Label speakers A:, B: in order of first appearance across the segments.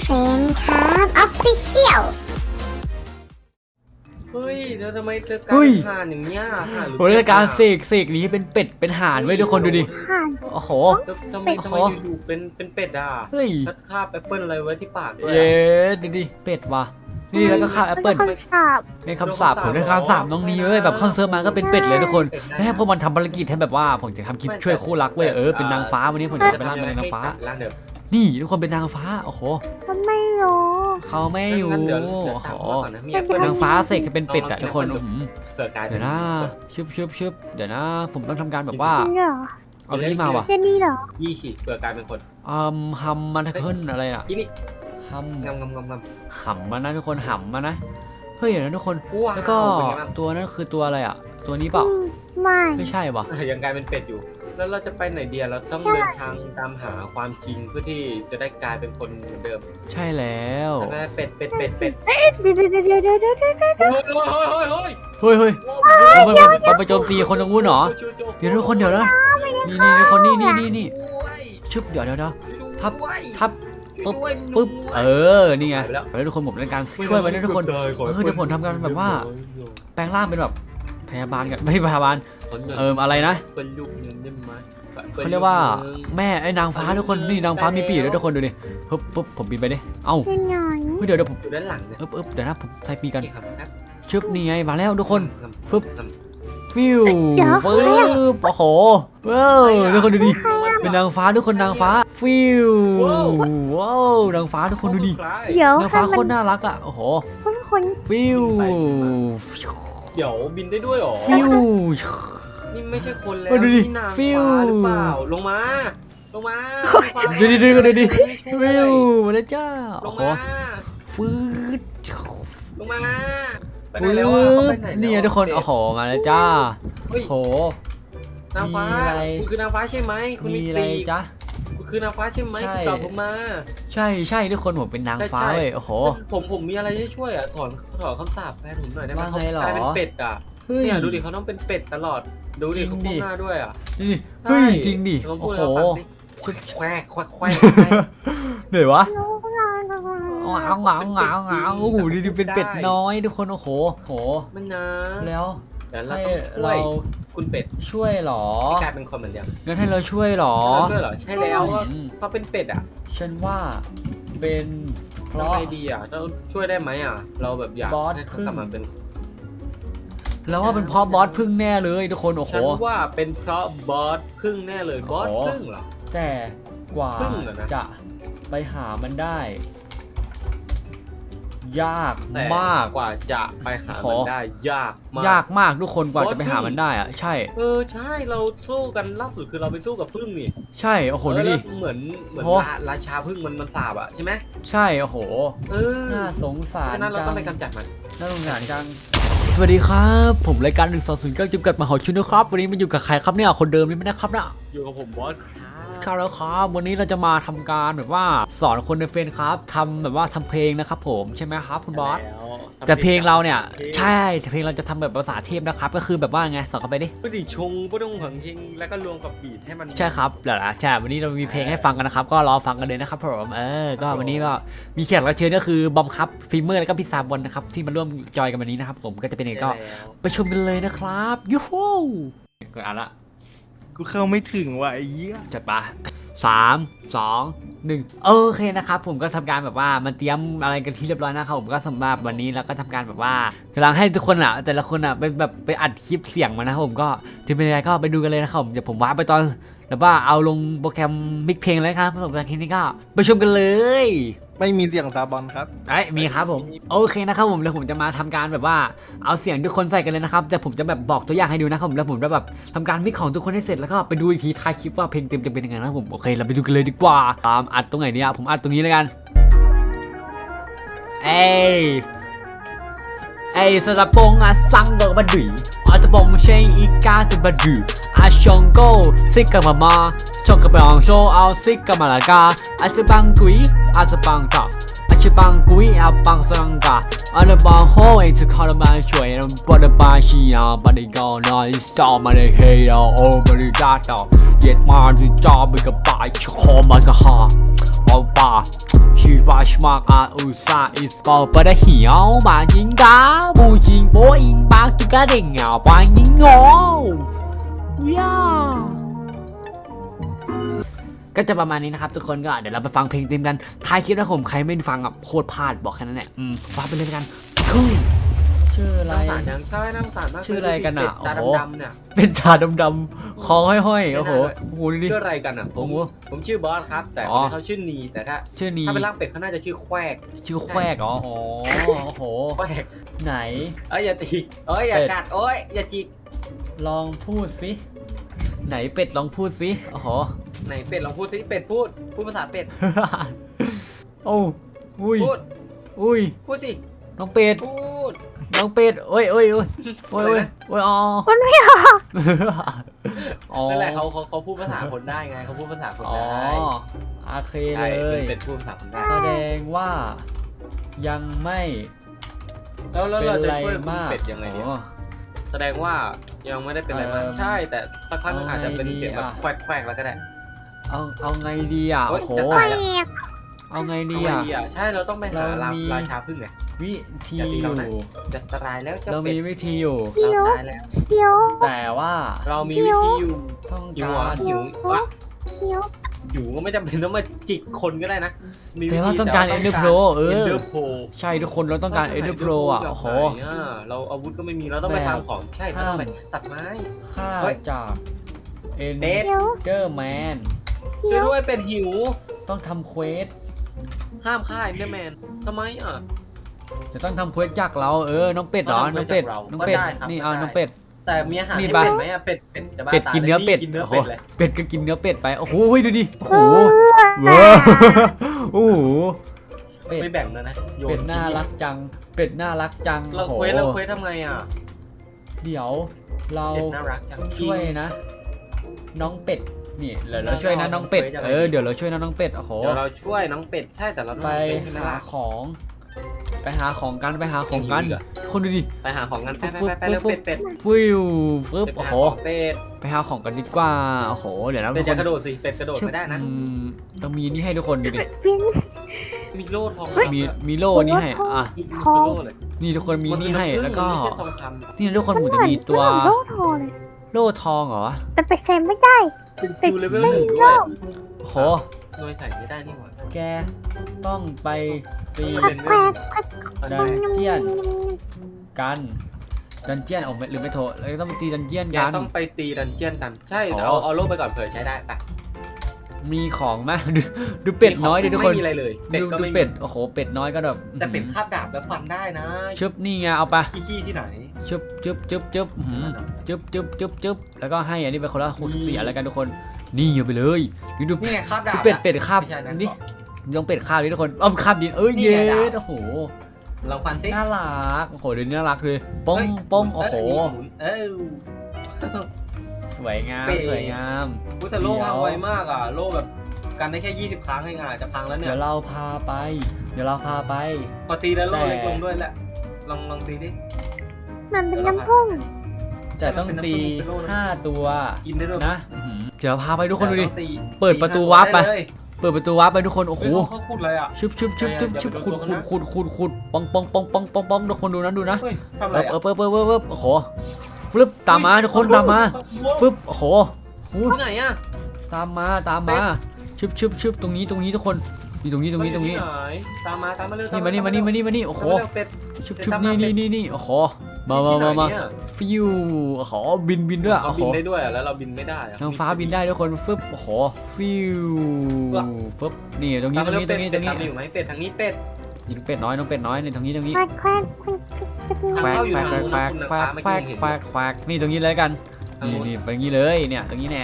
A: เซนครับออฟฟิเชียล
B: เฮ้ยแล้วทำไมเธอกลาย
C: เฮ้ย
B: เป็นห่านอย่างเงี้ยห่านหรือ
C: ผมจะการเสกนี้เป็นเป็ดเป็นห่านไว้ทุกคนดูดิ
A: ห่าน
C: โอ้โห
B: แล้วทำไมอยู่ๆเป็นเป็ดอ่ะ
C: เฮ้ย
B: แล้วคาบแอปเปิ้ลอะไรไว้ที่ปากด้วย
C: เย้ดิเป็ดว่ะนี่แล้วก็ข้าวแอปเปิ้ล
A: เป็นคำสาป
C: ในคำสาปผมได้คำสาปน้องนีเว้ยแบบเข้าเซิร์ฟมาก็เป็นเป็ดเลยทุกคนแล้วให้พวกมันทำภารกิจให้แบบว่าผมจะทำคลิปช่วยคู่รักเว้ยเป็นนางฟ้าวันนี้ผมจะไปล่าเป็นนางฟ้า
B: ล่างเดิม
C: นี่ทุกคนเป็นนางฟ้าโอ้โห
A: ทำไมหรอ
C: เขาไม่อยู่
B: งั้นเดี๋ยว
C: โอ้โห
B: ตามพ่อก่อนนะมีแอปเปิ้ล
C: นางฟ้าเสกให้เป็นเป็ดอะทุกคน
B: เกิดกลายเป็
C: เดี๋ยวนะชึบเดี๋ยวนะ ผมต้องทำการแบบว่า
A: จริงเหรอ
C: เอานี่มาว่ะ
A: จะดีเหรอ
B: ยี่ฉีดเกิดกลายเป็นคน
C: ฮัมมันเคิลอะไรอะ
B: กินนี่
C: ฮัม
B: งำ
C: หำมานะทุกคนหำมานะเฮ้ยเดี๋ยวนะทุกคน
B: ว้าว
C: แล้วก็
B: เป็นไงบ้าง
C: ตัวนั้นคือตัวอะไรอะตัวนี้เปล่า
A: ไม่
C: ไม่ใช่ปะ
B: ยังกลายเป็นเป็ดอยู่ แล้วเราจะไปไหนเดียเราต้องเดินทางตามหาความจริงเพื่อที่จะได้กลายเป็นคนเหมือนเดิม
C: ใช่แล้ว
B: แล้วก็เป็ด
A: เดี๋ยวเ
B: เฮ้ย
C: เฮ้ยมันไปโจมตีคนตรงนู้นเหรอเดี๋ยวทุกคนเดี๋ยวนะนี่ทุกคนนี่ชึบเดี๋ยวทับปึ๊บนี่ไงแล้วทุกคนผมเล่นการช่วยไว้นะทุกคนคือเดี๋ยวผมทำการแบบว่าแปลงร่างเป็นแบบพยาบาลกันไม่ใช่พยาบาลอะไรนะ
B: เป็นลูกนึงได้ไหม
C: เขาเรียกว่าแม่ไอ้นางฟ้าทุกคนนี่นางฟ้ามีปีกด้วยทุกคนดูดิปึ๊บผมบินไปดิเอ้า
A: ยังไง
C: เดี๋ยวผม
B: อยู่ด้านหลังเนี่ย
C: เดี๋ยวนะผมใส่ปีกกัน
B: ครับ
C: ชึบนี่ไงมาแล้วทุกคนฟิวโอ้โหว้าวทุกคนดูดิเป็นนางฟ้าทุกคนนางฟ้าฟิวว้าวนางฟ้าทุกคนดูดิ
A: เดี๋ยวน
C: างฟ้าโคตรน่ารักอ่ะโอ้โห
A: คน
C: ฟิว
B: เดี๋ยวบินได้ด้วยหรอ
C: ฟิว
B: นี่ไม่ใช่คนแล้ว
C: ดูดิ
B: นี่นาง
C: ฟิ
B: ฟ้าว หรือเปล่าลงมา
C: ดูดิฟิวมาแล้วจ้า
B: ล
C: โอ้
B: ง
C: โห
B: มา
C: ฟืด
B: ลงมาไปไหน
C: ฟื
B: แล้วอ่ะเขาไป
C: ด
B: ไหน
C: นี่ทุกคนโอ้โหมาแล้วจ้า
B: เฮ้ย
C: โอ้โห
B: นางฟ้า
C: มีอะไร
B: คุณคือนางฟ้าใช่ไหมคุณ
C: มี
B: มี
C: อะไร
B: ปีก
C: จ๊ะ
B: คุณคือนางฟ้าใช่ไหม
C: ใช่
B: ตอบผมมา
C: ใช่ทุกคนผมเป็นนางฟ้าเว้ยโอ้โห
B: ผมมีอะไรที่ช่วยอ่ะถอนคำสาปแฟนผมหน่อยได้ไหม
C: ว่า
B: เขา
C: ไงหรอ
B: กลายเป็นเป็ดอ่ะ
C: เฮ้ย
B: เนี่ยดูดิเขาต้องเป็นเป็ดตลอดดูดิ
C: จริง
B: เขา
C: ดิ
B: พูดหน้าด้วยอ่ะ
C: นี่เฮ้ยจริงดิ
B: ลอง
C: โอ้
B: พูด
C: โห
B: ให้เราฟังสิแควก
C: เหนื่อยวะ
A: ๆ
C: งาโอ้โหดิเป็นเป็ดน้อยทุกคนโอ้โหโห
B: มันนะ
C: แล้ว
B: เดี๋ยวเรา
C: ให้
B: ต้องช่ว
C: เรา
B: ยคุณเป็ด
C: ช่วยหรอ
B: ให้กลายเป็นคนเหมือนเดิม
C: งั้นให้เราช่วยหรอ
B: ช่วยเหรอใช่แล้วก็เป็นเป็ดอ่ะ
C: ฉันว่าเป็นเพ
B: ทำ
C: ราะ
B: ไงดีอ่ะเราช่วยได้ไหมอ่ะเราแบบอยาก
C: บอส
B: ให้เขา
C: พึ่ง
B: กลับมาเป็น
C: แล้วว่าเป็นเพราะบอสพึ่งแน่เลยทุกคนโอ้โห
B: ฉันว่าเป็นเพราะบอสพึ่งแน่เลยบอส
C: โอ้โห
B: พึ่งเหรอ
C: แต่กว่า
B: พึ่งเหรอนะ
C: จะไปหามันได้ ยาก
B: แต่
C: มาก
B: กว่าจะไปหา
C: ข
B: มั
C: อ
B: นได้ยากมาก
C: ยากมากทุกคนกว่า
B: บอส
C: จะไปหามันได้อะใช่
B: ใช่เราสู้กันล่าสุดคือเราไปสู้กับพึ่งนี่
C: ใช่โอ้โหดูดิ
B: แล้วเหมือน
C: โอ้
B: ราชาพึ่งมันสาบอ่ะใช่ไหม
C: ใช่โอ้โห น่าสง
B: เพ
C: สาร
B: ราะฉะนั้นเรา
C: จั
B: ต้อง งไปกำจัดมัน
C: น่าสงสารจังสวัสดีครับผมรายการ1209จำกัดมหาชนนะครับวันนี้มาอยู่กับใครครับเนี่ยคนเดิมนี่ไม่ได้ครับนะ
B: อยู่กับผมบอส
C: ครับแล้วครับวันนี้เราจะมาทำการแบบว่าสอนคนในเฟซครับทำแบบว่าทำเพลงนะครับผมใช่ไหมครับคุณบอสแต่เพลงเราเนี่ยใช่แต่เพลงเราจะทำแบบภาษาเทพนะครับก็คือแบบว่าไงสอนเข้าไปดิ
B: ก็ดิชงก็ต้องหังเพลงแล้วก็รวมกับบีทให้มัน
C: ใช่ครับเดี๋ยวนะใช่วันนี้เรามีเพลงให้ฟังกันนะครับก็รอฟังกันเลยนะครับผมก็วันนี้ก็มีแขกรับเชิญก็คือบอมครับฟิล์มเมอร์แล้วก็พี่ซาบอนนะครับที่มาร่วมจอยกันวันนี้นะครับผมก็จะเป็นยังไงก็ไปชมกันเลยนะครับยูฮูกดอ่านละ
D: กูเข้าไม่ถึงว่ะไอ้เหี้ย
C: จัดปะ3 2 1โอเคนะครับผมก็ทำการแบบว่ามันเตรียมอะไรกันที่เรียบร้อยนะครับผมก็สำหรับวันนี้เราก็ทำการแบบว่ากำลังให้ทุกคนอ่ะแต่ละคนอ่ะเป็นแบบไปอัดคลิปเสียงมานะครับผมก็จะเป็นยังไงก็ไปดูกันเลยนะครับผมเดี๋ยวผมวาร์ปไปตอนแบบว่าเอาลงโปรแกรมมิกเพลงเลยครับผมจากที่นี้ก็ไปชมกันเลย
D: ไม่มีเสียงซาบอนครับ
C: มีครับผมโอเคนะครับผมแล้วผมจะมาทำการแบบว่าเอาเสียงทุกคนใส่กันเลยนะครับแต่ผมจะแบบบอกตัวอย่างให้ดูนะครับผมแล้วผมจะแบบทำการมิกของทุกคนให้เสร็จแล้วก็ไปดูอีกทีท้ายคลิปว่าเพลงเต็มจะเป็นยังไงนะครับผมโอเคเราไปดูกันเลยดีกว่าอัดตรงไหนเนี่ยผมอัดตรงนี้เลยกันเอ้ยสระปงอาซังเบอร์บัดดุยอาจะปงเชยอีกาสิบัดดุยอาชงโกซิกกับมาชงกับปองโชเอาซิกกับมาละกาอาจะบังกุยอาจะบังต่ออาจะบังกุยอาบังสังกาอาจะบังโฮเองจะขอละมาช่วยเราบอดบาชีอาบัดก็นอยสตอมาเลยเฮียโอ้บริการต่อเย็ดมาที่จอไปกับป่าชคอมาก็ฮาเอาป่าชีวาชมากอาอุซาอิสปอร์ปะดะเหียวมาจิงกาบูจิงโบอิงปากตุกะเด้งเหงาปายิงโง่ย่าก็จะประมาณนี้นะครับทุกคนก็เดี๋ยวเราไปฟังเพลงเต็มกันท้ายคลิปนะผมใครไม่ฟังอ่ะโคตรพลาดบอกแค่นั้นแหละฟังไปเลยกันคือชื่ออะไร
B: น้ำสารยังใช่น้ำสารมาก
C: ชื่ออะไรกันอ่ะ
B: ตา
C: โอ้โห
B: ดำๆเนี่ย
C: เป็นตาดำๆคอห้อยๆโอ้โหดูดิ
B: ชื่ออะไรกันอ่ะผมชื่อบอสครับแต่เขาชื่อนีแต่ถ้า
C: ชื่อนี้
B: ถ้าเป็นร่างเป็ดเขาน่าจะชื่อแควก
C: ชื่อแควกอ๋อโอ้โห
B: แควก
C: ไหน
B: อย่าตีอย่ากัดอย่าจิก
C: ลองพูดสิไหนเป็ดลองพูดสิโอ้โห
B: ไหนเป็ดลองพูดสิเป็ดพูดภาษาเป็ด
C: โอ้อุ้ย
B: พูด
C: อุ้ย
B: พูดสิ
C: น้องเป็ด
B: พูด
C: น้องเป็ดโอ้ยอ๋อ
A: มันไม่ออก
C: อ๋อ
B: นั่นแหละเขาพูดภาษาคนได้ไงเขาพูดภาษาคน
C: อ๋อ
B: ได้
C: โอเคเล
B: ใช่
C: ย
B: เป็ดพูดภาษาคนได้
C: แสดงว่ายังไม่
B: แล้ว
C: เป็น
B: เราจะ
C: ไร
B: ช่วยคุณ
C: มาก
B: เป็ดยังไงเนี่ย
C: อ๋อ
B: แสดงว่ายังไม่ได้เป็นอะไรมากใช่แต่สักพักนึงอาจจะเป็นเสียงแบบแควกแล้วก็ได้
C: เอาไงดีอ่ะ
B: โอ๊
C: โอ้
B: ย
C: โห
B: จะ
A: แป
B: ตาย
A: ล
B: แล้ว
A: ก
C: เอาไงดี
B: ดี
C: อ่ะ
B: ใช่เราต้องไปหา
C: เรามี
B: ราชาพึ่งไง
C: วิธี
B: อย่าทิ้ง
C: อ
B: เรา
C: ยู่
B: นะ จะตายแล้วจะ
C: เรา
B: เป็
C: มี
B: ด
C: วิธีอยู่
A: เขียว
B: เราตายแล้ว
A: เขียว
C: แต่ว่า
B: เรามีวิธีอยู่
C: ต้อง
B: หิว
C: กา
B: อ่ะ
C: ร
B: หิวอ่ะ
A: เขียว
B: หิวก็ไม่จำเป็นต้องมาจิกคนก็ได้นะมี
C: แต่ว่าต้องการ Ender Pro
B: เออ
C: ใช่ทุกคนเราต้องการ Ender Pro อ่ะโอ้โห
B: เราอาวุธก็ไม่มีเราต้องไปทำของใช่เราต้องไปตัดไม้
C: ค่า
B: เฮ้ย
C: จาก
B: เป็ด
A: เขียว
C: Enderman
B: ช่วยด้วยเป็ดหิว
C: ต้องทำเควส
B: ห้ามฆ่าเอ็นเดอร์แมนทำไมอ่ะ
C: จะต้องทำเควสจากเราน้องเป็ดเหรอ
B: ต้องทำ
C: น้องเป็ด
B: เควสจากเรา
C: น้องเป็ด
B: ก็ได้ครับ
C: นี่
B: ก็ได้
C: น้องเป็ด
B: แต่มีอาหาร
C: นี่
B: ให้
C: ปะ
B: เป็ดไหมอ่ะเป็ดจะบ้า
C: เป็ดกินเนื้อเป็ด
B: กินเนื้อ
C: โอ้โห
B: เป็ดเลย
C: เป็ดก็กินเนื้อเป็ดไปโอ้โหดูดิโอ้โหเว้อโอ้โหเป็ด
B: ไม่แบ่งเลยนะโย
C: เป็ดน่ารักจังเป็ดน่ารักจัง
B: เรา
C: โอ้โห
B: เควสทำไงอ่ะ
C: เดี๋ยวเรา
B: เป็ดน่ารักจัง
C: ช่วยนะ น้องเป็ดนี่เดี๋ยวเราช่วยนะน้องเป็ดเดี๋ยวเราช่วยนะน้องเป็ดโอ้โห
B: เดี๋ยวเราช่วยน้องเป็ดใช่แต่เราต้อง
C: ไป
B: เป็ดที่น่า
C: หา
B: รัก
C: ของไปหาของกันคนดูดิ
B: ไปหาของกันไป
C: ฟึบ
B: ไปเร็ว
C: ฟึบ
B: เป็ด
C: ฟิวฟึบ
B: ไป
C: โอ้
B: หา
C: โห
B: ของเป็ด
C: ไปหาของกันดีกว่าโอ้โหเดี๋ยวนะ
B: เป็
C: ทุ
B: ด
C: กคน
B: จะกระโดดสิเป็ดกระโดดไม่ได้นะ
C: ต้องมีนี่ให้ทุกคนดูดิ
A: เป็น
B: มีโล่ทอง
C: มีโล่นี่ให้อ่ะ
B: มีโล่เลย
C: นี่ทุกคนมีนี่ให้แล้วก็
B: ไม่ใช่ทองคำ
C: นี่ทุกคนผมจะมีตัว
A: โลกโทรเลย
C: โล่ทองเหรอ
A: แต่ไปใช้ไม่ได้
B: เป็นคิวเลเวลหนึ่งด้วย
C: โอ้โห
B: โดยใส่ไม่ได้นี่หว่า
C: แกต้องไปตี
B: เป็น
A: แควก
C: ดันเจียนกันดันเจียนหรือไม่โทรแล้วก็ต้องไปตีดันเจียน
B: แก
C: กัน
B: ต้องไปตีดันเจียนกัน ใช่
C: อ๋อ
B: เดี๋ยวเอาโล่ไปก่อนเผื่อใช้ได้ไป
C: มีของไหมดูเป็ดน้อยดิทุกคน
B: ไม่มีอะไรเลยเป็ดก็
C: ดู
B: ไม่มี
C: เป็ดโอ้โหเป็ดน้อยก็แบบ
B: แต่เป็ดคาบดาบแล้วฟันได้นะ
C: ชึบนี่ไงเอาไป
B: ขี้ที่ไหน
C: ชึบจึ๊บจึ๊บจึ๊บจึ๊บแล้วก็ให้อันนี้ไปคนละ64อะไรกันทุกคนนี่เอาไปเลยดู
B: นี่ไงคาบดาบ
C: เป็ดคาบ
B: ไม่ใช่นะ
C: นี่ต้องเป็ดคาบดิทุกคนเอาคาบดินเอ้ย
B: นี่
C: เย็
B: ไงดาบ
C: ดโอ้โห
B: ลองฟันซิ
C: น่ารักโอ้โหเดี๋ยวนี้น่ารักเลยป้อง
B: เฮ้ย
C: ป้องโอ้โห
B: หมุน
C: สวยงาม
B: เป็ด
C: สวยงาม
B: อุ๊ยแต่โล่พังไวมากอ่ะโล่แบบกันได้แค่20 ครั้งเองอ่ะจะพังแล้วเนี่
C: เดี๋
B: ย
C: ยวเราพาไป
B: พอตีแล้วโล่
C: แต่
B: เล็กลงด้วยแหละลองตีดิ
A: มันเป็นน้ำผึ้ง
C: จะต้องตี
B: เป็นโล่นะ
C: 5 ตัว
B: กินได้ด้วย
C: นะเดี๋ยวเราพาไปทุกคนดูดิ
B: แต่ต้องตี
C: เปิดประตูวาร์ปไป
B: ด้เลย
C: เปิดประตูวาร์ปไปทุกคนโอ้โห
B: เฮ้ยเขาขุดอะไรอ่ะ
C: ชึบขุดป้องทุกคนดูนะ
B: เฮ้ยทำอะไรอ่ะ
C: เปิดโอ้โหฟลึบตามมาทุกคนตามมาฟึบโอ้โห
B: ที่ไหนอ่ะ
C: ตามมาชึบตรงนี้ทุกคนนี่ตรงนี้
B: ไหนตามมาเร็ว
C: นี่มาโอ้โห
B: ตามมาเร็วเป็ด
C: ชึบนี่โอ้โหมาฟิวโอ้โหบินด้วย
B: เขา
C: โอ้โห
B: บินได้ด้วยอ่ะแล้วเราบินไม่ได้อ่ะ
C: ทางฟ้าบินได้ทุกคนฟึบโอ้โหฟิวฟึบนี่ตรงนี้
B: ตามอยู่ไหมเป็ดทางนี้เป็ด
C: ยิงเป็ดน้อยน้องเป็ดน้อยนี่ตรงนี้
A: แควกแควก
C: แควกนี่ตรงนี้เลยกันนี่ไปงี้เลยเนี่ยตรงนี้แน่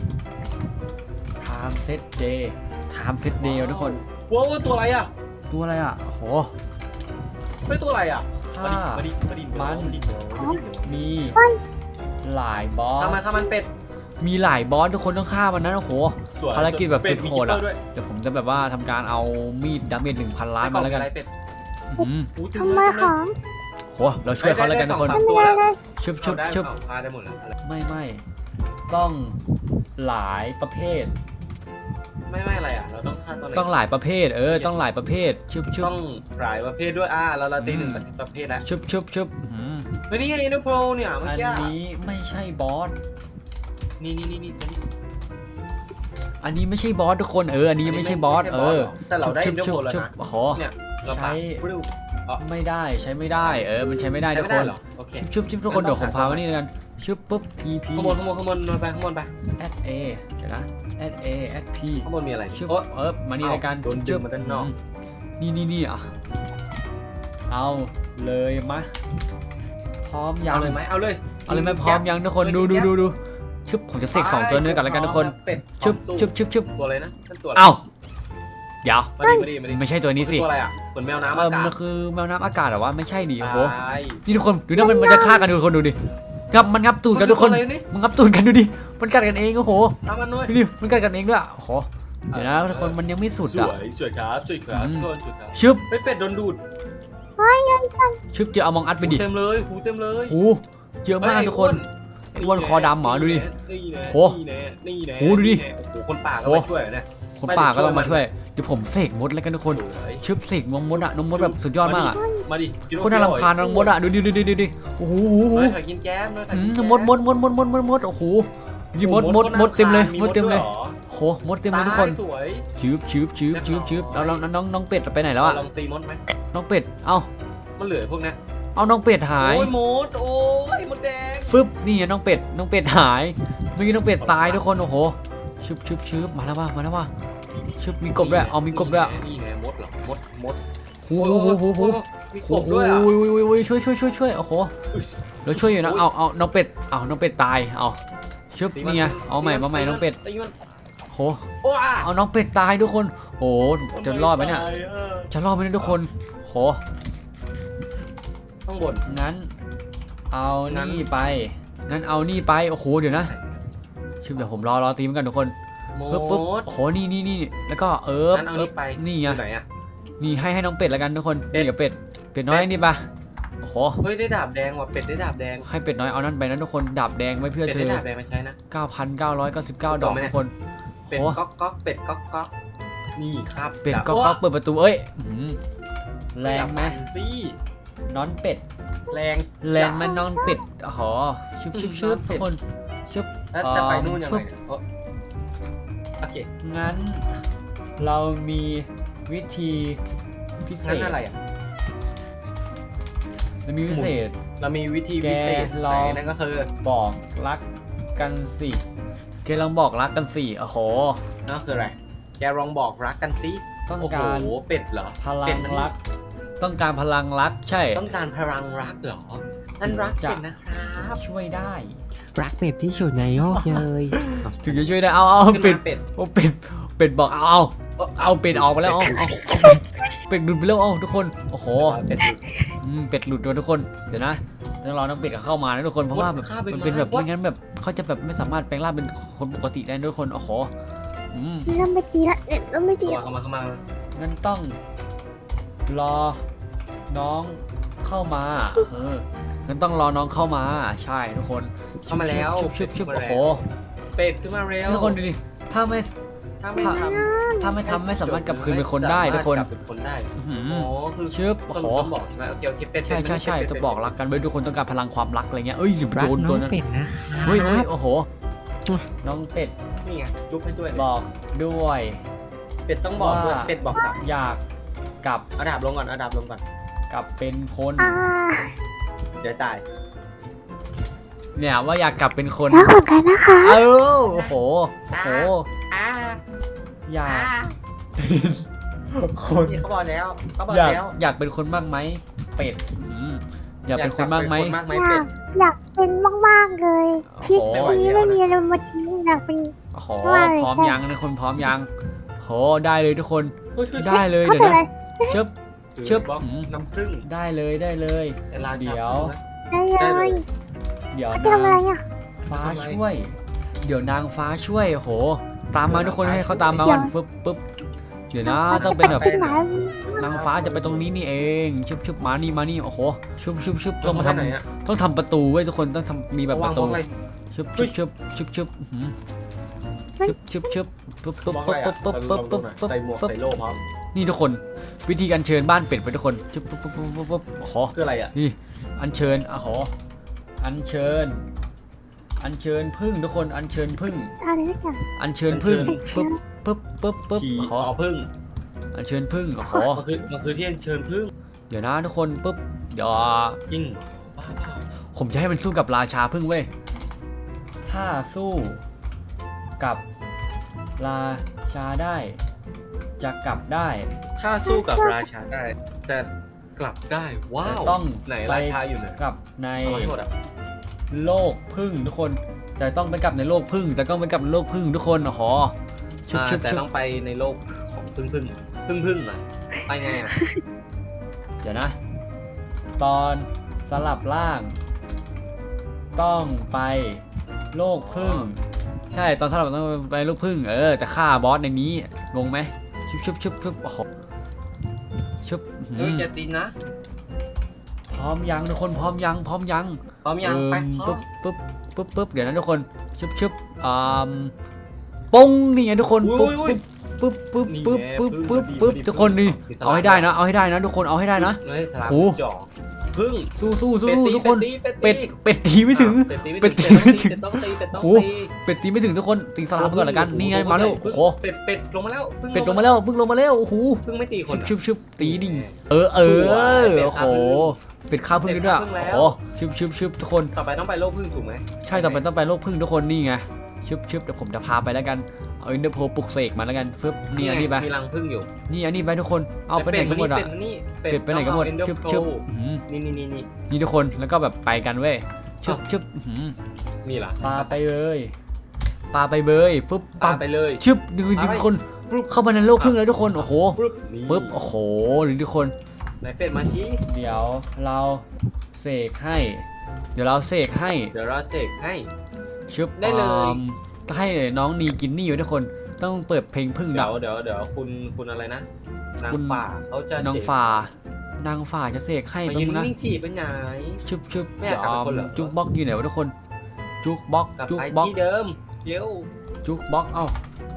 C: time set day ทุกคน
B: ว้าวตัวอะไรอ่ะ
C: ตัวอะไรอ่ะโอ้โห
B: เฮ้ยตัวอะไรอ่ะ
C: ค่า
B: มาดิ
C: มีหลายบอส
B: ทำมันเป็ด
C: มีหลายบอสทุกคนต้องฆ่ามันนะโอ้โห ภารกิจแบบสุดโหดอะ เดี๋ยวผมจะแบบว่าทำการเอามีดดาเมจ 1,000 ล้านมาแล้วกัน
A: ทำไมขอม
C: โหเราช่วยเขาแล้วกันทุกคน
A: ไม่ได้เลย
C: ชึบ
B: พาได้หมดแล้ว
C: ไม่ต้องหลายประเภท
B: ไม่อะไรอ่ะเราต้องฆ่าตัวไหน
C: ต้องหลายประเภทต้องหลายประเภทชึบชึบ
B: ต้องหลายประเภทด้วยเราตีหนึ่งประเภทแล้ว
C: ชึบชึบชึบอืม
B: เฮ้ยนี่ไงเอ็นโปรเนี่ยเมื่อ
C: อัน
B: กี้
C: นี้ไม่ใช่บอส
B: นี่
C: อันนี้ไม่ใช่บอสทุกคนอันนี้ยังไม่ใช่บอส
B: แต่เราได้เอ็นโปรแล้ว
C: ชึบ
B: นะ
C: โอ้โห
B: เนี่ยเราปาปลิ้ว
C: ไม่ได้ใช้ไม่ได้มันใช้ไม่ได้
B: ใช้
C: ทุก
B: ไม่
C: ค
B: ได้
C: น
B: เหรอโอเค
C: ชึบชึบทุกคนเดี๋ยวผมพามานี่กันชึบปุ๊บ TP
B: ข้างบนไปข้างบนไป
C: @a เดี๋ยวนะ @a @p
B: ข้างบนมีอะไร
C: ชึบ
B: โอ๊ย
C: มานี่ในการ
B: โดนดึงมาด้านนอก
C: นี่อ่ะเอาเลยมะพร้อมยั
B: เอา
C: ง
B: เลยไหมเอาเลย
C: เอาเลยไหมพร้อมยังทุกคนดูชึบผมจะเสก2ตัวนี้กันแล้วกันทุกคน
B: เป็ด
C: ชึบ
B: ตัวอะไรนะนั่นตัวอะไร
C: เอ้าเดี๋ยว
B: มาดิ
C: ไม่ใช่ตัวนี้สิ
B: ตัวอะไรอ่ะเหมือนแมวน้ำอากา
C: มัน
B: ศ
C: คือแมวน้ำอากาศเหรอวะไม่ใช่ดิโอ้โห
B: ตาย
C: นี่ทุกคนดูนะมันจะฆ่ากันดูคนดูดิมันงับตูดกันทุกคน
B: มัอะไรนี่
C: มันงับตูดกันดูดิมันกัดกันเองโอ้โห
B: ทำมันด้วย
C: ดูดิมันกัดกันเองด้วยโอ้โหเดี๋ยวนะทุกคนมันยังไม่สุด
B: ส
C: อ่ะ
B: วยสวยครับทุกคนสวยครับ
C: ชึบ
B: ไปเป็ดโดนดูด
C: ชึบเจอเอามองอัดไปดิ
B: เต็มเลยหูเต็มเลย
C: โอ้เยอะมากทุกคนไอ้อ้วนคอดำเหรอดูดิ โห
B: นี่แน่
C: โหดูดิ
B: โอ้คนป่าก็มาช่วยเนี่ย
C: คนป่าก็ต้องมาช่วยเดี๋ยวผมเสกมดแล้วกันทุกคน
B: สวย
C: ชึบเสกน้องมดอะน้องมดแบบสุดยอดมากอะ
B: มาดิ
C: โคตรน่ารำคาญน้องมดอะดูดิโอ้โห
B: มาถ่ายกินแก้มมาถ่ายกินแก้
C: มดโอ้โหนี่มดเต็มเลยมดเต็มเลยโหมดเต็มเลยทุกคน
B: สวย
C: ชืบเอาน้องเป็ดไปไหนแล้วอะ
B: ลองตีมดไหม
C: น้องเป็ดเอ้า
B: มันเหลือพวกนี้
C: เอาน้องเป็ดหาย
B: โอ้ยมดโอ้ยมดแดง
C: ฟึบนี่น้องเป็ดหายเมื่อกี้น้องเป็ดตายทุกคนโอ้โหชืบมาแล้วว่ะชึบมีกบด้วยเอามีกบด้วย
B: นี่ไงมดเหรอมด
C: โอ้โห
B: มีก
C: โอ้
B: บ
C: โห
B: ด้วยอ่ะ
C: ช่วยโอ้โหแล้วช่วยอยู่นะเอาน้องเป็ดตายเอาชึบนี่ไงเอาใหม่มาใหม่น้องเป็ด
B: ตีมัน
C: โห
B: โอ้อ่ะ
C: เอาน้องเป็ดตายทุกคนโหจะรอดไหมเนี่ยจะรอดไหมเนี่ยทุกคนโห
B: ข้างบน
C: งั้นเอานี่ไปโอ้โหเดี๋ยวนะชึบเดี๋ยวผมรอตีมันกันทุกคน
B: ม
C: ปึ๊บ
B: ด
C: โอ้โหนี่แล้วก็
B: งั้นเอานี่ไป
C: นี่ไง
B: อยู่ไหนอ่ะ
C: นี่ให้น้องเป็ดแล้วกันทุกคน
B: เป็ด
C: นี่กับเป็ดน้อยนี่ปะโอ้โห
B: เฮ้ยได้ดาบแดงว่ะเป็ดได้ดาบแดง
C: ให้เป็ดน้อยเอานั่นไปนะทุกคนดาบแดงไว้เพื่อ
B: เป็ด
C: เธ
B: ได้
C: อ
B: ดาบแดงมาใช้นะ
C: 9,999 ดอกทุกคน
B: เป็ด
C: โอ้
B: ก๊อกเป็ดก๊อกนี่ครับ
C: เป็ด
B: ดาบ
C: ก็เปิดประตูเอ้ยแรงไหม
B: สิ
C: น้องเป็ด
B: แรง
C: แรงไหมน้องเป็ดอ๋อชึบทุกคนชึบ
B: แล้วจะไปนู่นยังไงเนี่ยโอเค
C: งั้นเรามีวิธีพิเศ
B: งั้น
C: ษ
B: อะไรอ่ะ
C: เรามีพิเศษ
B: เรามีวิธีพิเศษ
C: แกลอง
B: ไหนนั่นก็คือ
C: บอกรักกันสิแกลองบอกรักกันสิโอ้โห
B: นั่นคืออะไรแกลองบอกรักกันสิ
C: ต้อง
B: โอ้โห
C: การ
B: เป็ดเหรอ
C: พลั
B: เป็
C: ง
B: ดมัน
C: รัก ต้องการพลังรักใช่
B: ต้องการพลังรักเหรอท่านรักเป็ดนะครับ
C: ช่วยได้
E: รักเป็ดที่สุดในโลกเลย
C: ถึงจะช่วยได้เอา
B: ขึ้น
C: เป็ด
B: มาเป็ด
C: โอ้เป็ดบอกเอาเป็ดออกไปแล้วเอาเป็ดหลุดไปแล้วทุกคนโอ้โห
B: เป็ด
C: เป็ดหลุดด้วยทุกคนเดี๋ยวนะต้องรอน้องเป็ดเข้ามานะทุกคนเพราะว่าแบบ
B: ฆ่าเป็ด
C: มันเป็นแบบ
B: มา
C: ไม่งั้นแบบเขาจะแบบไม่สามารถแปลงร่างเป็นคนปกติได้นะทุกคนโอ้โห
A: เริ่มไม่ตีละเริ่มไม่ตีละ
B: เข้ามา
C: งั้นต้องรอน้องเข้ามางั้นต้องรอน้องเข้ามาใช่ทุกคน
B: เข้ามาแล้ว
C: ชึบโอ้โห
B: เป็ดขึ้นมาเร็ว
C: ทุกคนดูดิถ้าไม่
B: ถ้าไม่ทำ
C: ไม่สามารถกลับคืนเป็นคนได้ทุกคน
B: กลับเป็นคนได้
C: อื้อ
B: อ๋
C: หื
B: อ
C: อ
B: คือ
C: ชึบโอ้โห
B: ต้องบอกใช่ไหมโอเคเป็ด
C: ใช่จะบอกรักกันไว้ทุกคนต้องการพลังความรักอะไรเงี้ยเอ้ยอย่าไป
E: รัก
C: โดน
E: น้
C: ตั
E: อ
C: ว
E: ง
C: นั้น
E: เป็ดนะคะ
C: เฮ้ยโอ้โหน้องเป็ด
B: นี่ไงจุ๊บให้ด้วย
C: บอกด้วย
B: เป็ดต้องบอกด้วย
C: ว่า
B: เป็ดบอกกลับ
C: อยากกลับ
B: เอาดาบลงก่อน
C: กลับเป็นคน
B: เดี๋ยวตาย
C: เนี่ยว่าอยากกลับเป็นคน
A: รักเหมือนกันนะคะ
C: โอ้โหอยากเป็นคน
B: นี่เขาบอกแล้ว
C: อยากเป็นคนมากไหมเป็ดอยากเป็นคนมากไหม
B: มากไหม
A: อ
B: เป็
A: ยา
B: ด
A: กอยากเป็นมากๆเลยทริปนี้ไม่มีอะไรมาทิ้งอยากเป็น
C: โอ้โห
A: ว่า
C: พร้อมยังนะคนพร้อมยังโหได้เลยทุกคน
B: เฮ้ย
C: ได้เลย
A: เขา
C: เดี๋ยว
A: จะอะไร
C: นะชึบ ชึบ
B: บล็อกน้ำผึ้ง
C: ได้เลย
B: เวลา
C: เดี๋ยว
A: ได้เลย
C: เดี๋ยว
A: เขาจะทำอะไรอ่ะ
C: ฟ้าช่วย เดี๋ยวนางฟ้าช่วยโหตามมาทุกคนให้เขาตามมาก่อนปึ๊บเดี๋ยวนะต้องเป็นแบบ
A: ที่ไหน
C: นางฟ้าจะไปตรงนี้นี่เองชึบมานี่โอ้โหชึบต้องมาทำต้องทำประตูไว้ทุกคนต้องทำมีแบบประตูชึบชึบชึบปึ๊บปึ๊บ
B: มอง
C: ปึ๊
B: ไง
C: บปึ๊บปึ๊บปึ๊บปึ๊บ
B: ใส่หมวก
C: ปึ๊บ
B: ใส่โล่พร้อม
C: นี่ทุกคนวิธีการเชิญบ้านเป็ดไปทุกคนชึบปึ๊บปึ๊บปึ๊บปึ๊บขอ
B: คืออะไรอ่ะ
C: นี่อัญเชิญขออัญเชิญพึ่งทุกคนอัญเชิญพึ่ง
A: อะไรสักอย่าง
C: อัญเชิญพึ่งปึ๊บปึ๊บปึ๊บปึ๊บ
B: ผี
C: ขอ
B: พึ่ง
C: อัญเชิญพึ่งขอ
B: มันคือที่เชิญพึ่ง
C: เดี๋ยวนะทุกคนปึ๊บเดี๋ยว
B: จริงบ้าเปล่า
C: ผมจะให้มันสู้กับราชาพึ่งเว้ยถ้าสู้กับราชาได้ จะกลับได้
B: ถ้าสู้กับราชาได้จะกลับได้ว้าว
C: ต้อง
B: ไหน
C: ไป
B: ราชาอยู่ไหน
C: กลับใน
B: เอาให้หมดอ่ะ
C: โลกพึ่งทุกคนจะต้องไปกลับในโลกพึ่งแต่ต้องไปกลับในโลกพึ่งทุกคนขอชุบชุบ
B: แต่
C: ชุบ
B: ต้องไปในโลกของพึ่งอ่ะไปไงอ่ะ
C: เดี๋ยวนะ ตอนสลับร่าง ต้องไปโลกพึ่ง ใช่ตอนสลับต้องไปโลกพึ่งแต่ฆ่าบอสในนี้งงไหมชุบชุบชุบชุบโอ้โหชุบ
B: เฮ้ยอย่าตีนะ
C: พร้อมยังทุกคนพร้อมยัง
B: พร้อมยังไปพร้อ
C: ปึ๊
B: ม
C: บปึ๊บเดี๋ยวนะทุกคนชุบชุบปุ้งนี่ไงทุกคนปึ๊บปึ๊บปึ๊บปึ๊บปึ๊บปึ๊บปึ๊บทุกคนนี่เอาให้ได้นะเอาให้ได้นะทุกคนเอาให้ได้นะ
B: เฮ้ยสลับ
C: โอ้
B: จ่อพึ่ง
C: สู้สู้สู้
B: เป็ดตี
C: ทุกคน
B: เป็ดตี
C: เป็ดตีไม่ถึง
B: เป็ดตีไม่ถึง
C: เป็ดตีไม่ถึง
B: ต้องตีเป็ดต้อง
C: โอ้
B: ตี
C: เป็ดตีไม่ถึงทุกคนตีสลับก่อนละกันนี่ไงมาแล้วโอ้โห
B: เป็ดลงมาแล้ว
C: เป็ดลงมาแล้วพึ่งลงมาแล้วโอ้โห
B: พึ่งไม่ตีคน
C: ชุบชุบตีดิโอ้โหเป็ดข้าวพึ่งด้วยโอ้โหชุบทุกคน
B: ต่อไปต้องไปโลกพึ่งถูกไหม
C: ใช่ต่อไปต้องไปโลกพึ่งทุกคนนี่ไงชึบเดี๋ยวผมจะพาไปแล้วกันเอาอินเตอร์โพปลุกเสกมาแล้วกันฟึบนี่อันนี้ไป
B: มีรังพึ่งอยู่
C: นี่อันนี้ไปทุกคนเอาไปไหนกันหมดอ่ะเป็ดไปไหนกันหมดชึบนี่ทุกคนแล้วก็แบบไปกันเว้ยชึบ
B: นี่ล่ะ
C: ปาไปเลยปาไปเบยฟึบ
B: ปาไปเลย
C: ชึบดูทุกคนเข้ามาในโลกพึ่งแล้วทุกคนโอ้โห
B: ปึ๊บ
C: โอ้โหดูทุกคน
B: ไหนเป็ดมาชี้
C: เดี๋ยวเราเสกให้เดี๋ยวเราเสกให้
B: เดี๋ยวเราเสกให้
C: ชึบ
B: ได้เลย
C: ให้น้องนีกินนี่ไว้ทุกคนต้องเปิดเพลงพึ่ง
B: เดี๋
C: ดั
B: ย
C: บ
B: วคุณอะไรนะนาง
C: คุณ
B: ฝ่าเขาจะ
C: นางฝ่านางฝ่าจะเสกให้
B: มา
C: บ้า
B: ยืน
C: งนะ
B: นิ่งๆฉี่ไปไหน
C: ชึบ
B: ไม่อยากกลับเป็นคนเหรอ
C: จุกบ็อกอยู่ไหนวะทุกคนจุกบ็อก
B: กลับ
C: จุก
B: ไป
C: บ็อก
B: ที่เดิมเร็ว
C: จุกบ็อกเอ้าก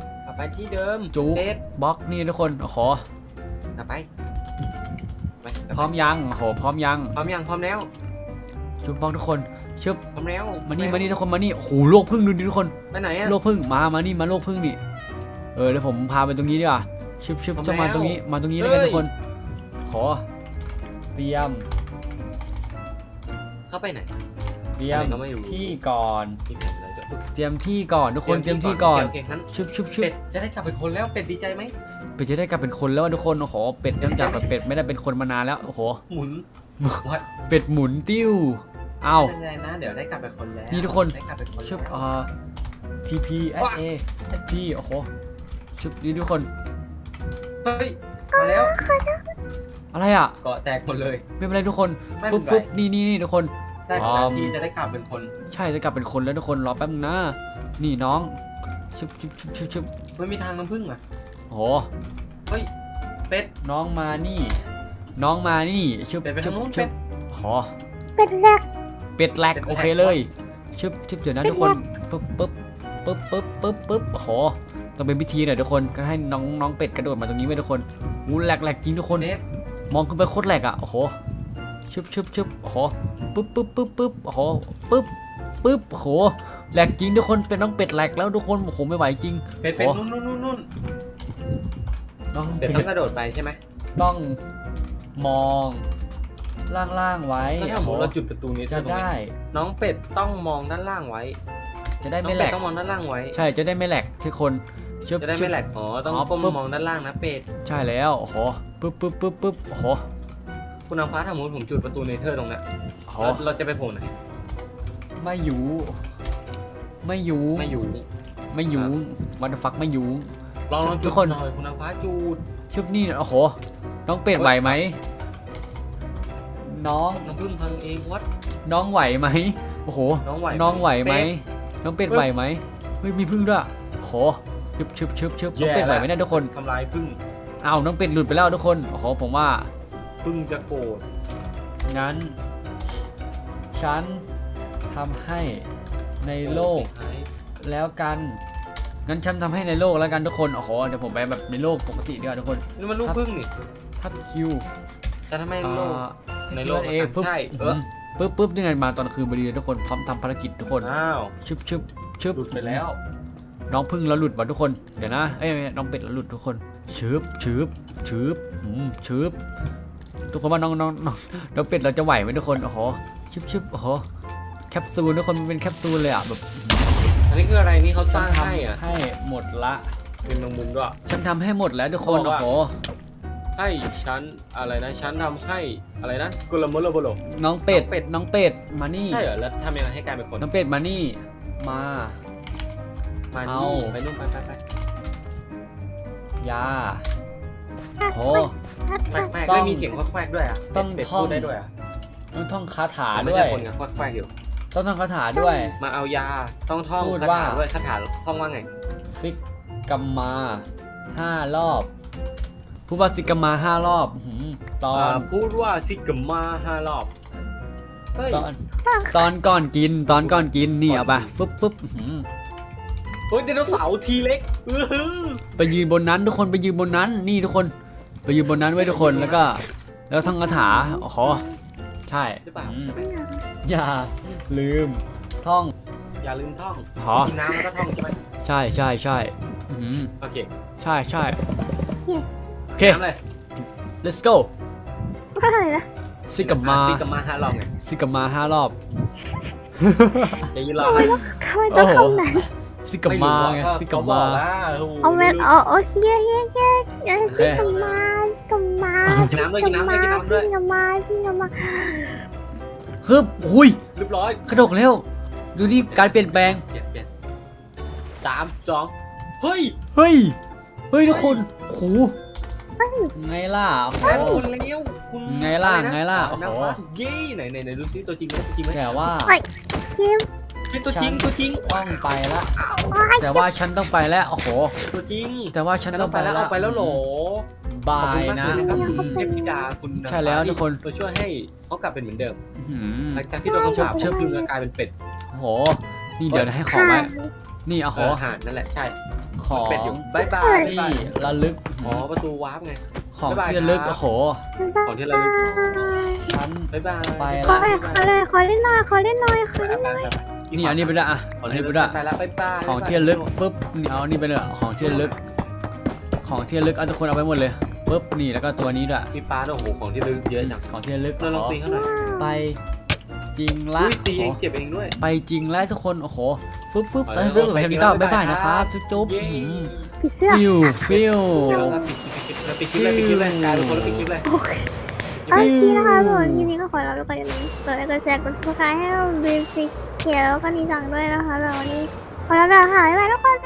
B: ลับไปที่เดิม
C: จุก
B: เป็ด
C: บ็อกนี่ทุกคนขอก
B: ลับไป
C: พร้อมยังโอ้โหพร้อมยัง
B: พร้อมยังพร้อมแล้ว
C: จุกบ็อกทุกคนชึบ
B: พร้อมแล้ว
C: มานี่ทุกคนมานี่โอ้โหโลกพึ่งดูดิทุกคน
B: ไปไหนอะ
C: โลกพึ่งมานี่มาโลกพึ่งนี่เดี๋ยวผมพาไปตรงนี้ดีกว่าชึบ
B: พร้อม
C: จะมา
B: แล้ว
C: ตรงนี้มาตรงนี้แล้วกัน
B: เฮ้ย
C: ทุกคนขอเตรียม
B: เข้าไปไหน
C: เตรียม
B: อะไรก็ไม่รู้
C: ที่ก่อน
B: ที่ไหนอะไรก็
C: เตรียมที่ก่อนทุกคนเตรียมที่ก่อน
B: โอเคงั้น
C: ชึบ
B: เป็ดจะได้กลับเป็นคนแล้วเป็ดดีใจไหม
C: เป็ดจะได้กลับเป็นคนแล้วทุกคนโอ้โหเป็ดเนื่องจากแบบเป็ดไม่ได้เป็นคนมานานแล้วโอ้โห
B: หมุน วัด
C: เป็ดหมุนติ้วอ้าว
B: ไม่เป็นไรนะเดี๋ยวได้กลับเป็นคนแล้ว
C: นี่ทุกคน
B: ได้กลับเป็นคน
C: ชึบ
B: แล้ว
C: TP SA SP โอ้โหชึบนี่ทุกคน
B: เฮ้ยมาแล้ว
C: อะไรอ่ะ
B: เกาะแตกหมดเลย
C: ไม่เป็นไรทุกคน
B: ไม่เป็นไร
C: ฟึบนี่ทุกคน
B: ได้
C: อ๋อ
B: จากที่จะได้กลับเป็นคน
C: ใช่จะกลับเป็นคนแล้วทุกคนรอแป๊บนึงนะนี่น้องชึบ
B: ไม่มีทางน้ำผึ้งอ่ะ
C: โอ้โห
B: เฮ้ยเป็ด
C: น้องมานี่ชึบ
B: เป็ดไปทางนู้น
C: ชึ
B: เป็
C: บ
B: ด
C: ขอ
A: เป็นแรก
C: เป็ดแหลก
B: เป็ดแหลก
C: โอเคเลยชึบเดี๋ยวนะ
A: เป็ด
C: ทุกคน
A: แหลก
C: ปึ๊บโอ้โหต้องเป็นพิธีหน่อยทุกคนก็ให้น้องเป็ดกระโดดมาตรงนี้ไว้ทุกคนอู้แหลกจริงทุกคน
B: เป็ด
C: มองขึ้นไปโคตรแหลกอ่ะโอ้โหชึบโอ้โหปึ๊บโอ้โหปึ๊บโอ้โหแหลกจริงทุกคนเป็นน้องเป็ดแหลกแล้วทุกคนโอ้โหไม่ไหวจริง
B: เป็ด
C: โอ้
B: นู่น
C: น้อง
B: เป็
C: เป็
B: ด
C: ด
B: ต้องกระโดดไปใช่ไหม
C: ต้องมองล่างไว้
B: แล้วถ้า
C: โอ้
B: สม
C: โห
B: มติเราจุดประตูนี้
C: จะ
B: ตรงนี้
C: ได้
B: น้องเป็ดต้องมองด้านล่างไว้
C: จะได้
B: น้อง
C: ไม่แหล
B: เป็ด
C: ก
B: ต้องมองด้านล่างไว้
C: ใช่จะได้ไม่แหลกทุกคนชึบ
B: จะได้ไม่แหลกอ๋อต้อง
C: อ๋อ
B: ก้ม
C: ปึ๊บ
B: มองด้านล่างนะเป็ด
C: ใช่แล้วโอ้โหปึ๊บโอ้โห
B: คุณนางฟ้าถ้าสมมติผมจุดประตูเนเธอร์ตรงนั้น
C: โอ้โห
B: เราจะไปโผล่ไหน
C: ไม่อยู่วันฟักไม่อยู่
B: ลอง
C: ทุ
B: จุ
C: ก
B: ด
C: คน
B: หน่อยคุณนางฟ้าจุด
C: ชึบนี่โอ้โหน้องเป็ดไหวไหมน้อง
B: น้ำผึ้งพังเองวัด
C: น้องไหวไหมโอ้โห
B: น้องไหว
C: น้องไหวไหม
B: เป็ด
C: น้องเป็ดไหวไหมเฮ้ยมีพึ่งด้วยโหชึบน้องเป็ดไหวไหมเนี่ยทุกคน
B: ทำลายผึ้ง
C: อ้าวน้องเป็ดหลุดไปแล้วทุกคนโอ้โหผมว่า
B: ผึ้งจะโกรธ
C: งั้นฉันทำให้ในโลกแล้วกันงั้นฉันทำให้ในโลกแล้วกันทุกคนโอ้โหเดี๋ยวผมไปแบบในโลกปกติดีกว่าทุกคน
B: นี่มันลูกพึ่งนี่
C: ทับคิว
B: จะทำให้โลก ในโลก
C: เอฟึบ
B: ใช่
C: ปึ๊บนี่ไงมาตอนคืนพอดีทุกคนพร้อมทำภารกิจทุกคน
B: อ้าว
C: ชึบ
B: หลุดไปแล้ว
C: น้องพึ่งแล้วหลุดว่ะทุกคนเดี๋ยวนะเอ้ยน้องเป็ดแล้วหลุดทุกคนชึบทุกคนว่าน้องเป็ดเราจะไหวไหมทุกคนโอ้โหชึบโอ้โหแคปซูลทุกคนมันเป็นแคปซูลเลยอ่ะแบบ
B: อันนี้คืออะไรนี่เขาสร้างให้อ่ะ
C: ให้หมดละ
B: เป็นแมงมุมด้วย
C: ฉันทำให้หมดแล้วทุกคน
B: เขาบอก
C: โอ้
B: ว่า
C: โห
B: ให้ฉันอะไรนะฉันทำให้อะไรนะกุลโมโลโบโล
C: น้องเป็ดมานี่
B: ใช่เหรอแล้วทำยังไงให้กลายเป็นคน
C: น้องเป็ดมานี่มา
B: มา
C: เอา
B: นี่ไปนู่นไป
C: ยาโห
B: แควก
C: ต้อง
B: ไม่มีเสียงแควกด้วยอ่ะ
C: ต้อง
B: เป็ด
C: ท่อง
B: พูดได้ด้วยอ่ะ
C: ต้องท่องคาถา
B: ไม่
C: ด้วย
B: ใช่คนกับแควกอยู่
C: ต้องท่องคาถาด้วย
B: มาเอายาต้องท่อง
C: พูด
B: คา
C: ว่า
B: ถาด้วยคาถาท่องว่าไง
C: ซิกกัมมา5 รอบพูดว่าซิกกัมมา5 รอบตอน
B: พูดว่าซิกกัมมา5 รอบเฮ้ย
C: ตอนก่อนกินนี่เอาไปฟึบ
B: เฮ้ยไดโนเสาร์ทีเล็ก
C: ไปยืนบนนั้นทุกคนไปยืนบนนั้นนี่ทุกคนไปยืนบนนั้นไว้ทุกคนแล้วท่องคาถาโอ้โหใช่
B: ใช่ป่ะ
C: อย่าลืมท่อง
B: อย่าลืมท่อง
C: หรอ
B: กินน้ำแล้วก็ท่องใช่ไหม
C: ใช่
B: โอเค
C: ใช่โอเค
B: น้ำเลย
C: let's go
A: อะไรนะ
C: ซิกกัมมา
B: ซิกกัมมา5 รอบไง
C: ซิกกัมมา5 รอบ
B: จะยืนรอให้
A: ทำไมต้องคำไหน
C: ซิกกัมมาไงซิกกัมมา
A: เอาเวนโอเคที่กำมา
B: กินน้ำด้วย
C: ฮึบหุย
B: เรียบร้อย
C: กระดกเร็วดูนี่การเปลี่ยนแปลง
B: เปลี่ยน3 2เฮ้ย
C: ทุกคนโอ้โหไงล่ะโอ้โห
B: แพ้คุณแล้วคุณ
C: ไงล่ะ
B: อรน
C: ไงล่ะโอ้โห
B: น้ำฟ้าเย้ไหนดูซิตัวจริงไหม
C: แต่ว่า
A: คิม
B: เป็นตัวจริง
C: ต้องไปละแต่ว่าฉันต้องไปแล้วโอ้โห
B: ตัวจริง
C: แต่ว่าฉันต้องไปแล้ว
B: เอาไปแล้วโหล
C: บา
B: ขอบคุณ
C: ย
B: มาก
C: นะ
B: เลยนะครับคุณเทพธิดาคุณ
C: ใช่แล้วทุกคน
B: ตัวช่วยให้เขากลับเป็นเหมือนเดิม
C: อื้อหือ
B: หลังจากที่โดนคำสาปเชื่อพึ่งก็กลายเป็นเป็ด
C: โอ้โหนี่เดี๋ยวนะให้ของไว้นี่เอาข
B: เอ
C: อ
B: อห่านนั่นแหละใช่
C: ของ
B: เป็ดอยู่บายบาย
C: ที่ระลึก
B: อ๋อประตูวาร์ปไง
C: ของ
B: บ๊ายบาย
C: ที่ระลึก
B: ครับ
C: โอ้โห
B: ของที่เราลึก
C: ฉัน
B: บายบาย
C: ไป
A: ขอ
C: ละ
A: ขอเล่นหน่อย
C: นี่เอานี่ไปละอ่ะ
B: ขอ
C: เอา
B: เล่
C: นี่
B: น
C: ไป
B: ไป
C: ละ
B: ไปแล้วบายบาย
C: ของที่ระลึกปุ๊บนี่เอานี่ไปเลยของที่ระลึกเอาทุกคนเอาไปหมดเลยปุ๊บนี่แล้วก็ตัวนี้ด้วย
B: มีปลาด้วยโอ้โหของที่ลึกเยอะจัง
C: ของที่ระลึก
B: เราลองตีเขาหน่อย
C: ไปจริงละ
B: อุ้ยตีเองเจ็บเองด้วย
C: ไปจริงแล้วทุกคนโอ้โหฟึบ
B: ไป
C: ใส่
B: แล้ว
C: ฟึบแบบนี้ก็
B: ไป
C: บ๊ายบาย
B: แล้ว
C: นะครับจุ๊บ
B: เย้
A: ผีเสื้อ
C: ฟิล
B: เดี๋ยวเราปิดคลิปเลยกลายเป็นคนแล้วปิดคลิปเลย
A: โอเคนะคะส่วนทีนี้ก็ขอลาไปก่อนอย่าลืมกดไลค์กดแชร์กด subscribe ให้เราดูฟิกเขียวแล้วก็นีจังด้วยนะคะแล้ววันนี้ขอลาไปก่อนค่ะบ๊ายบายทุกคน